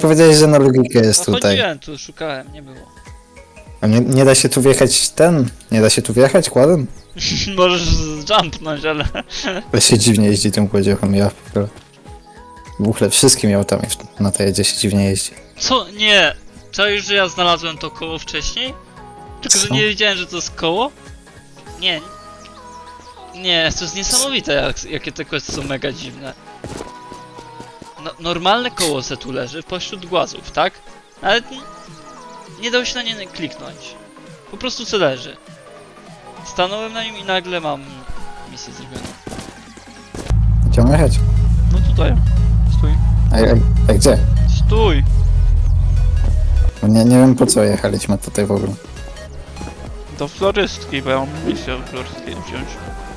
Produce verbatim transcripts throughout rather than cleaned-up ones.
powiedziałeś, że na logikę jest No tutaj. chodziłem tu, szukałem, nie było. A nie, nie da się tu wjechać ten? Nie da się tu wjechać kładem? Możesz jumpnąć, ale... To się dziwnie jeździ tym kładziochem, ja w ogóle. W ogóle wszystkim autami na tej jedzie się dziwnie jeździ. Co? Nie! Czaisz, że ja znalazłem to koło wcześniej? Tylko, że Co? nie wiedziałem, że to jest koło? Nie. Nie, to jest niesamowite, jak, jakie te questy są mega dziwne. No, normalne koło se tu leży pośród głazów, tak? Ale n- nie dało się na nie kliknąć. Po prostu se leży. Stanąłem na nim i nagle mam misję zrobioną. Gdzie mam jechać? No tutaj. Stój. A, a, a gdzie? Stój! Bo Nie, nie wiem po co jechaliśmy tutaj w ogóle. Do florystki, bo ja mam misję od florystki wziąć.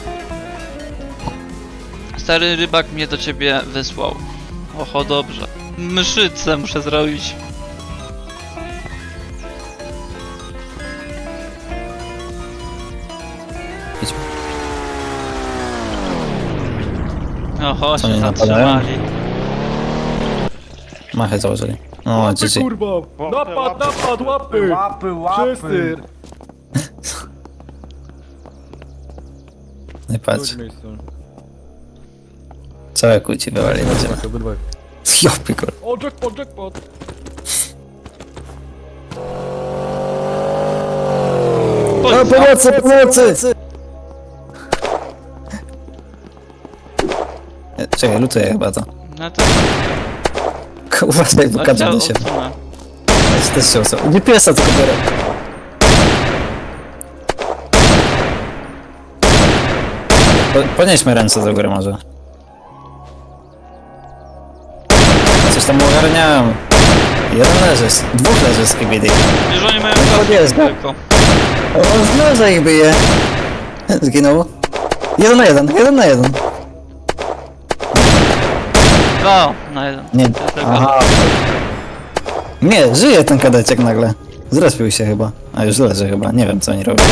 Stary rybak mnie do ciebie wysłał. Oho, dobrze. Mszycę muszę zrobić. Idźmy. Oho, Co, się nie napadają? zatrzymali. Machę założyli. No, Łapy, G G. kurwa! Napad, napad, łapy! Łapy, łapy! Wszyscy! Nie patrz. Chodź miejsce. Całe kłóci wywali na ziemię. Obydwaj. Jopy, kur... O, jackpot, jackpot! O, pomocy, pomocy! E, Czekaj, lutuję chyba to. No to... Uważaj, bo kadrze do siebie. odsunę. Ja też się osób. Nie piesa, tylko biorę. Po, podnieśmy ręce do góry może. Coś tam ogarniałem. Jeden leży, z- dwóch leży z K B D. Wiesz, oni mają No, kasę jest, no. tylko. O, z noża ich bije. Zginął. Jeden na jeden, jeden na jeden. Dwa na jeden. Nie, Ja tylko- aha. Nie, żyje ten kadeciek nagle. Zrespił się chyba. A już leży chyba, nie wiem co oni robią.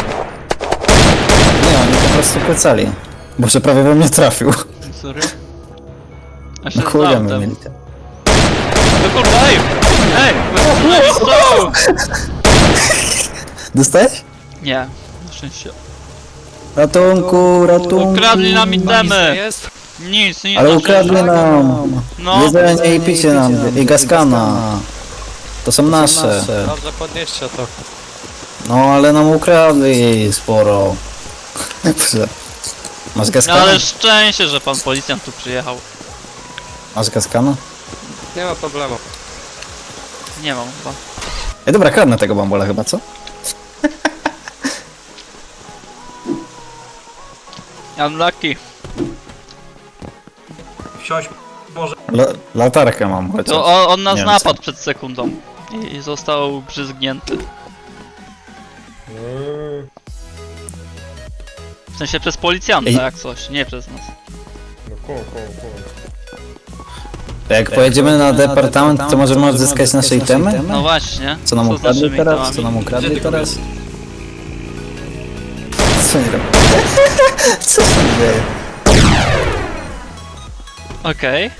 Nie, oni po prostu kłecali. Boże, prawie we mnie trafił. Sorry. A się No kurde, znał my tam. mieli. No kurwa, ej! Ej! No, Dostałeś? nie, na szczęście. Ratunku, ratunku. Ukradli nam itemy! Jest? Nic, nic. Ale na ukradli szczęście. nam. No, Jedzenie i picie nam. I gaskana. To są nasze. Dobrze, podnieście to. No ale nam ukradli sporo. Boże. Masz no gaskana? ale szczęście, że pan policjant tu przyjechał. Masz gaskana? Nie ma problemu. Nie mam chyba. Ej, dobra, kradnę tego bambola chyba, co? Unlucky. Wsiąść może. La latarkę mam chociaż. To on, on nas Nie wiem, napadł przed sekundą. I, I został brzydgnięty. W sensie przez policjanta Ej. jak coś, nie przez nas. No koło, koło, koło. Jak pojedziemy na departament, to możemy odzyskać nasze itemy? No właśnie. Co nam z ukradli naszymi teraz? itemami? Co nam ukradli Gdzie ty teraz? Co nie robią? Co się dzieje? Okej.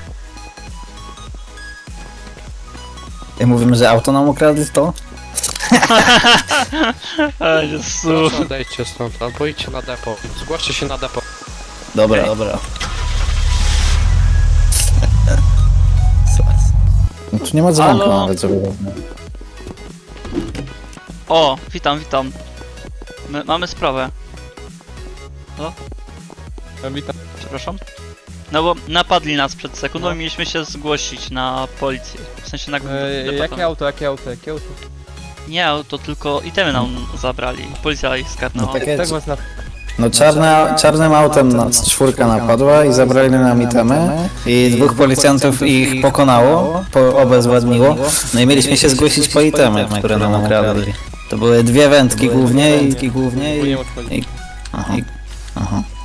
Jak mówimy, że auto nam ukradli, to? Ej, Jezu. Proszę odejdźcie stąd, albo idźcie na depo. Zgłoście się na depo. Dobra, dobra. No tu nie ma dzwonka Halo? nawet, żeby... O, witam, witam. My, mamy sprawę. Ja witam. Przepraszam. No bo napadli nas przed sekundą i mieliśmy się zgłosić na policję. W sensie na E, departament. jakie auto, jakie auto, jakie auto? Nie, to tylko itemy nam zabrali. Policja ich No skarnęła. takie... Tak was na... No czarna, czarnym autem nas czwórka napadła i zabrali nam itemy i dwóch policjantów ich pokonało, po, obezwładniło. No i mieliśmy się zgłosić po itemy, które nam ukradli. To były dwie wędki głównie i... głównie i... Nie odchodzi. Aha. Aha.